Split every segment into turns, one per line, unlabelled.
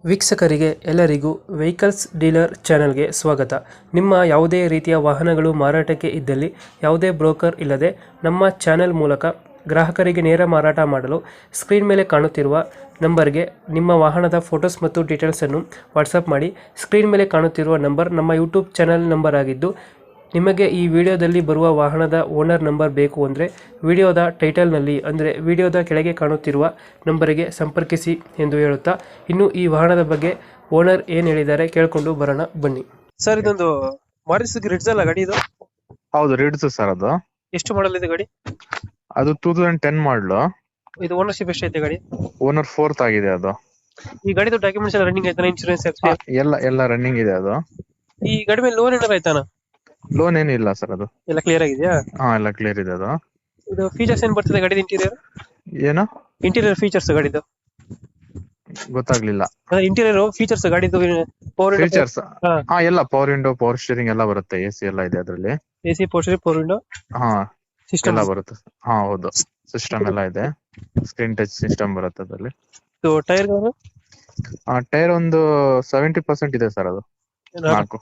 ವೀಕ್ಷಕರಿಗೆ ಎಲ್ಲರಿಗೂ vehicles dealer ಚಾನೆಲ್ಗೆ ಸ್ವಾಗತ. ನಿಮ್ಮ ಯಾವುದೇ ರೀತಿಯ ವಾಹನಗಳು ಮಾರಾಟಕ್ಕೆ ಇದ್ದಲ್ಲಿ ಯಾವುದೇ ಬ್ರೋಕರ್ ಇಲ್ಲದೆ ನಮ್ಮ ಚಾನೆಲ್ ಮೂಲಕ ಗ್ರಾಹಕರಿಗೆ ನೇರ ಮಾರಾಟ ಮಾಡಲು ಸ್ಕ್ರೀನ್ ಮೇಲೆ ಕಾಣುತ್ತಿರುವ ನಂಬರ್ಗೆ ನಿಮ್ಮ ವಾಹನದ ಫೋಟೋಸ್ ಮತ್ತು ಡೀಟೇಲ್ಸನ್ನು ವಾಟ್ಸಪ್ ಮಾಡಿ. ಸ್ಕ್ರೀನ್ ಮೇಲೆ ಕಾಣುತ್ತಿರುವ ನಂಬರ್ ನಮ್ಮ ಯೂಟ್ಯೂಬ್ ಚಾನೆಲ್ ನಂಬರ್ ಆಗಿದ್ದು, ನಿಮಗೆ ಈ ವಿಡಿಯೋದಲ್ಲಿ ಬರುವ ವಾಹನದ ಓನರ್ ನಂಬರ್ ಬೇಕು ಅಂದರೆ ವಿಡಿಯೋದ ಟೈಟಲ್ನಲ್ಲಿ ಅಂದರೆ ವಿಡಿಯೋದ ಕೆಳಗೆ ಕಾಣುತ್ತಿರುವ ನಂಬರಿಗೆ ಸಂಪರ್ಕಿಸಿ ಎಂದು ಹೇಳುತ್ತಾ, ಇನ್ನು ಈ ವಾಹನದ ಬಗ್ಗೆ ಓನರ್ ಏನು ಹೇಳಿದ್ದಾರೆ ಕೇಳಿಕೊಂಡು ಬರೋಣ ಬನ್ನಿ. ಸರ್, ಇದೊಂದು ಮಾರುತಿ ರಿಡ್ಜ್ ಅಲ್ಲ ಗಾಡಿ ಇದು?
ಹೌದು, ರಿಡ್ಸ್ ಸರ್. ಅದು
ಎಷ್ಟು ಮಾಡಲ್ ಇದೆ ಗಾಡಿ?
ಅದು 2010 ಮಾಡಲು.
ಇದು ಓನರ್ಶಿಪ್ ಎಷ್ಟೈತೆ ಗಾಡಿ?
ಓನರ್ 4th ಆಗಿದೆ ಅದು.
ಈ ಗಾಡಿದು ಡಾಕ್ಯುಮೆಂಟ್ಸ್ ಎಲ್ಲ ರನ್ನಿಂಗ್ ಆಯ್ತಾನ? ಇನ್ಶೂರೆನ್ಸ್
ಎಲ್ಲ ರನ್ನಿಂಗ್ ಇದೆ ಅದು.
ಈ ಗಾಡಿ ಮೇಲೆ ಲೋನ್ ಏನಾರ ಆಯ್ತಾನ?
ಲೋನ್ ಏನಿಲ್ಲ ಸರ್, ಅದು
ಎಲ್ಲ ಕ್ಲಿಯರ್ ಆಗಿದೆಯಾ?
ಎಲ್ಲ ಕ್ಲಿಯರ್ ಇದೆ ಅದು.
ಇದು ಫೀಚರ್ಸ್ ಏನ್ ಬರ್ತದೆ ಗಾಡಿದ?
ಏನು
ಇಂಟೀರಿಯರ್ ಫೀಚರ್ಸ್ ಗಾಡಿದು
ಗೊತ್ತಾಗ್ಲಿಲ್ಲ.
ಅಂದ್ರೆ ಇಂಟೀರಿಯರ್ ಫೀಚರ್ಸ್ ಗಾಡಿದು ಪವರ್
ಫೀಚರ್ಸ್ ಎಲ್ಲ ಪವರ್ ವಿಂಡೋ, ಪವರ್ ಸ್ಟೀರಿಂಗ್ ಎಲ್ಲ ಬರುತ್ತೆ. AC ಎಲ್ಲ ಇದೆ ಅದರಲ್ಲಿ.
AC ಪವರ್ ವಿಂಡೋ ಸಿಸ್ಟಮ್
ಎಲ್ಲ ಬರುತ್ತೆ. ಹೌದು, ಸಿಸ್ಟಮ್ ಎಲ್ಲ ಇದೆ. ಸ್ಕ್ರೀನ್ ಟಚ್ ಸಿಸ್ಟಮ್ ಬರುತ್ತೆ ಅದರಲ್ಲಿ.
ಟೈರ್
ಟೈರ್ ಒಂದು 70% ಇದೆ ಸರ್. ಅದು 4.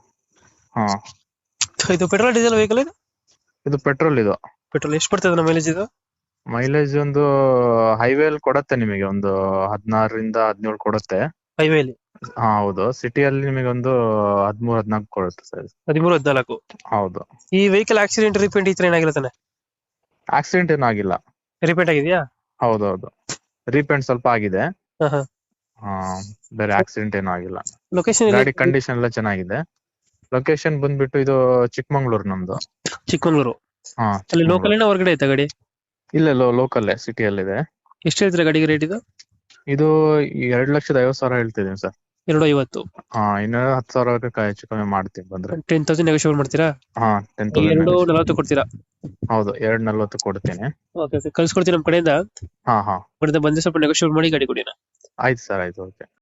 ಇದು ಪೆಟ್ರೋಲ್ ಡೀಸೆಲ್ ವೆಹಿಕಲ್?
ಇದು ಪೆಟ್ರೋಲ್. ಇದು
ಪೆಟ್ರೋಲ್ ಎಷ್ಟು ಬರ್ತದೆ ನಮ್ಮ ಮೈಲೇಜ್? ಇದು
ಮೈಲೇಜ್ ಒಂದು ಹೈವೇ ಅಲ್ಲಿ ಕೊಡುತ್ತೆ ನಿಮಗೆ ಒಂದು 16ರಿಂದ 17 ಕೊಡುತ್ತೆ
ಹೈವೇಲಿ.
ಹೌದು. ಸಿಟಿಯಲ್ಲಿ ನಿಮಗೆ ಒಂದು 13-14 ಕೊಡುತ್ತೆ ಸರ್.
13-14.
ಹೌದು.
ಈ ವೆಹಿಕಲ್ ಆಕ್ಸಿಡೆಂಟ್ ರಿಪೇಂಟ್ ಈ ತರ ಏನಾಗಿಲ್ಲ ತಾನೆ?
ಆಕ್ಸಿಡೆಂಟ್ ಏನೂ ಆಗಿಲ್ಲ.
ರಿಪೇಂಟ್ ಆಗಿದೆಯಾ?
ಹೌದೌದು, ರೀಪೇಂಟ್ ಸ್ವಲ್ಪ ಆಗಿದೆ. ಬೇರೆ ಆಕ್ಸಿಡೆಂಟ್ ಏನೂ ಆಗಿಲ್ಲ.
ಲೊಕೇಶನ್
ಗಾಡಿ ಕಂಡೀಷನ್ ಎಲ್ಲ ಚೆನ್ನಾಗಿದೆ. ಲೊಕೇಶನ್ ಬಂದ್ಬಿಟ್ಟು ಇದು ಚಿಕ್ಕಮಂಗ್ಳೂರು ನಮ್ದು.
ಚಿಕ್ಕಮಂಗ್ಳೂರು. ಅಲ್ಲಿ ಲೋಕಲ್ ಏನೋ ಹೊರಗಡೆ ಐತಾ ಗಾಡಿ?
ಇಲ್ಲ, ಲೋಕಲ್ ಸಿಟಿಯಲ್ಲಿದೆ.
ಎಷ್ಟು ಹೇಳ್ತೀರಾ ಗಾಡಿಗೆ ರೇಟ್ ಇದು?
ಇದು 2,50,000 ಹೇಳ್ತಿದ್ದೀನಿ ಸರ್.
250.
ಇನ್ನು 10,000 ಹೆಚ್ಚು ಕಮ್ಮಿ ಮಾಡ್ತೀನಿ ಬಂದ್ರೆ.
10,000 ನೆಗೋಷಿಯೇಟ್ ಮಾಡ್ತೀರಾ?
10,000.
240 ಕೊಡ್ತೀರಾ?
ಹೌದು, 240 ಕೊಡ್ತೀನಿ.
ಓಕೆ, ಕಳ್ಸಿಕೊಡ್ತೀನಿ ನಮ್ಮ ಕಡೆಯಿಂದ.
ಹಾ
ಬಂದು ಸ್ವಲ್ಪ ನೆಗೋಷಿಯೇಟ್ ಮಾಡಿ ಗಾಡಿ ಕೊಡಿ.
ಆಯ್ತು ಸರ್, ಆಯ್ತು, ಓಕೆ.